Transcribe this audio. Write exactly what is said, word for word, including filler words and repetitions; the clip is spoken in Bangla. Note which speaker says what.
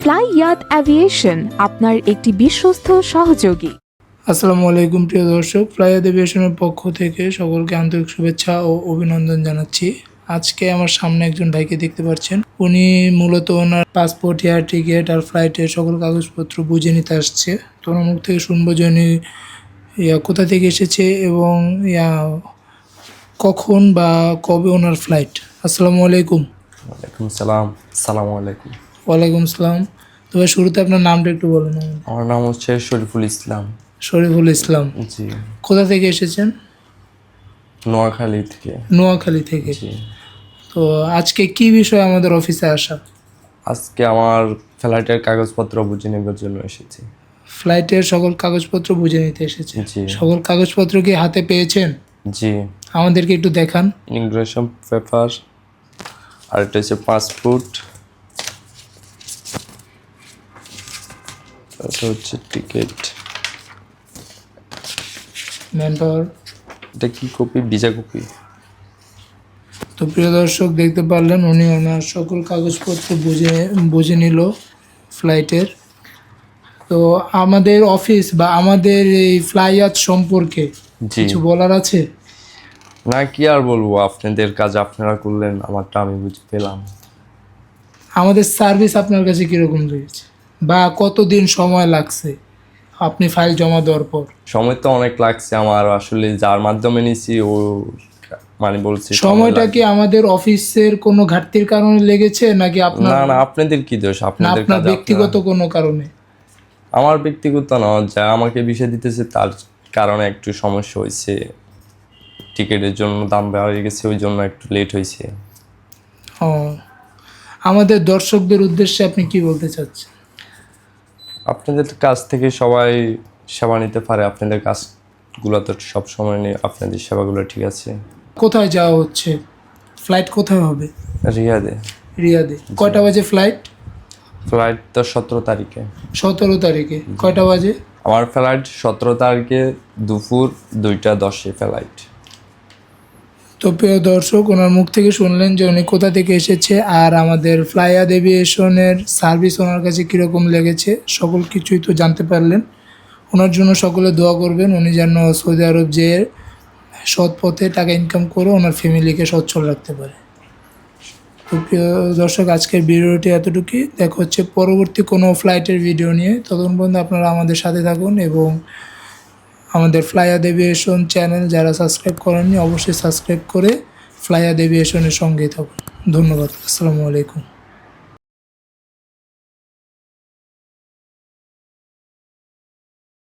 Speaker 1: ফ্লাইয়াত অ্যাভিয়েশন আপনার একটি বিশ্বস্ত সহযোগী।
Speaker 2: আসসালামু আলাইকুম প্রিয় দর্শক, ফ্লাইয়াত এভিয়েশনের পক্ষ থেকে সকলকে আন্তরিক শুভেচ্ছা ও অভিনন্দন জানাচ্ছি। আজকে আমার সামনে একজন ভাইকে দেখতে পাচ্ছেন, উনি মূলত ওনার পাসপোর্ট, এয়ার টিকিট আর ফ্লাইটের সকল কাগজপত্র বুঝে নিতে আসছে। তো ওনার মুখ থেকে শুনবো যে উনি ইয়া কোথা থেকে এসেছে এবং ইয়া কখন বা কবে ওনার ফ্লাইট। আসসালামু আলাইকুম।
Speaker 3: ওয়ালাইকুম সালাম। সালামু আলাইকুম।
Speaker 2: ওয়ালাইকুম সালাম। তো ভাই শুরুতে আপনার নামটা একটু বলুন।
Speaker 3: আমার নাম হচ্ছে শরীফুল ইসলাম।
Speaker 2: শরীফুল ইসলাম।
Speaker 3: জি।
Speaker 2: কোথা থেকে এসেছেন?
Speaker 3: নোয়াখালী থেকে।
Speaker 2: নোয়াখালী থেকে।
Speaker 3: জি।
Speaker 2: তো আজকে কি বিষয়ে আমাদের অফিসে আসা?
Speaker 3: আজকে আমার ফ্লাইটের কাগজপত্র বুঝে নেবার জন্য এসেছি।
Speaker 2: ফ্লাইটের সকল কাগজপত্র বুঝে নিতে এসেছে।
Speaker 3: জি।
Speaker 2: সকল কাগজপত্র কি হাতে পেয়েছেন?
Speaker 3: জি।
Speaker 2: আমাদেরকে একটু দেখান।
Speaker 3: ইমিগ্রেশন পেপার, আর এটা হচ্ছে পাসপোর্ট, এটা হচ্ছে টিকিট।
Speaker 2: Man power.
Speaker 3: এটা কি কপি? Visa copy.
Speaker 2: তো প্রিয় দর্শক, দেখতে পারলেন উনি ওনার সকল কাগজপত্র বুঝে বুঝে নিল ফ্লাইটের। তো আমাদের অফিস বা আমাদের এই ফ্লাইয়াত সম্পর্কে কিছু বলার আছে?
Speaker 3: না, কি আর বলবো, আপনাদের কাজ আপনারা করলেন, আমারটা আমি বুঝে পেলাম।
Speaker 2: আমাদের সার্ভিস আপনার কাছে কীরকম লেগেছে বা কতদিন সময় লাগছে আপনি ফাইল জমা দেওয়ার পর?
Speaker 3: সময় তো অনেক লাগছে আমার, আসলে যার মাধ্যমে নিছি ও মানে বলছি
Speaker 2: সময়টা কি আমাদের অফিসের কোনো ঘাটতির কারণে লেগেছে নাকি আপনার?
Speaker 3: না না, আপনাদের কি দোষ?
Speaker 2: না,
Speaker 3: আপনাদের
Speaker 2: আপনার
Speaker 3: কাজ
Speaker 2: ব্যক্তিগত কোনো কারণে?
Speaker 3: আমার ব্যক্তিগত না, যা আমাকে বিষয় দিতেছে তার কারণে একটু সমস্যা হয়েছে। টিকিটের জন্য দাম বেড়ে গেছে, ওই জন্য একটু লেট হয়েছে।
Speaker 2: ও, আমাদের দর্শকদের উদ্দেশ্যে আপনি কি বলতে চাচ্ছেন?
Speaker 3: আপনাদের কাছ থেকে সবাই সেবা নিতে পারে, আপনাদের কাজগুলো তো সব সময় নেই, আপনাদের সেবাগুলো ঠিক আছে।
Speaker 2: কোথায় যাওয়া হচ্ছে? ফ্লাইট কোথায় হবে?
Speaker 3: রিয়াদে।
Speaker 2: রিয়াদে। কয়টা বাজে ফ্লাইট?
Speaker 3: ফ্লাইট তো সতেরো তারিখে।
Speaker 2: সতেরো তারিখে কয়টা বাজে?
Speaker 3: আমার ফ্লাইট সতেরো তারিখে দুপুর দুইটা দশে ফ্লাইট।
Speaker 2: তো প্রিয় দর্শক, ওনার মুখ থেকে শুনলেন যে উনি কোথা থেকে এসেছে আর আমাদের ফ্লাইয়াত এভিয়েশনের সার্ভিস ওনার কাছে কীরকম লেগেছে, সকল কিছুই তো জানতে পারলেন। ওনার জন্য সকলে দোয়া করবেন, উনি যেন সৌদি আরব যেয়ে সৎ পথে টাকা ইনকাম করে ওনার ফ্যামিলিকে সচ্ছল রাখতে পারে। তো প্রিয় দর্শক, আজকের ভিডিওটি এতটুকুই। দেখা হচ্ছে পরবর্তী কোনো ফ্লাইটের ভিডিও নিয়ে। ততক্ষণ পর্যন্ত আপনারা আমাদের সাথে থাকুন এবং আমাদের ফ্লাইয়াত এভিয়েশন চ্যানেল যারা সাবস্ক্রাইব করেননি অবশ্যই সাবস্ক্রাইব করে ফ্লাইয়াত এভিয়েশনের সঙ্গেই থাকুন। ধন্যবাদ। আসসালামু আলাইকুম।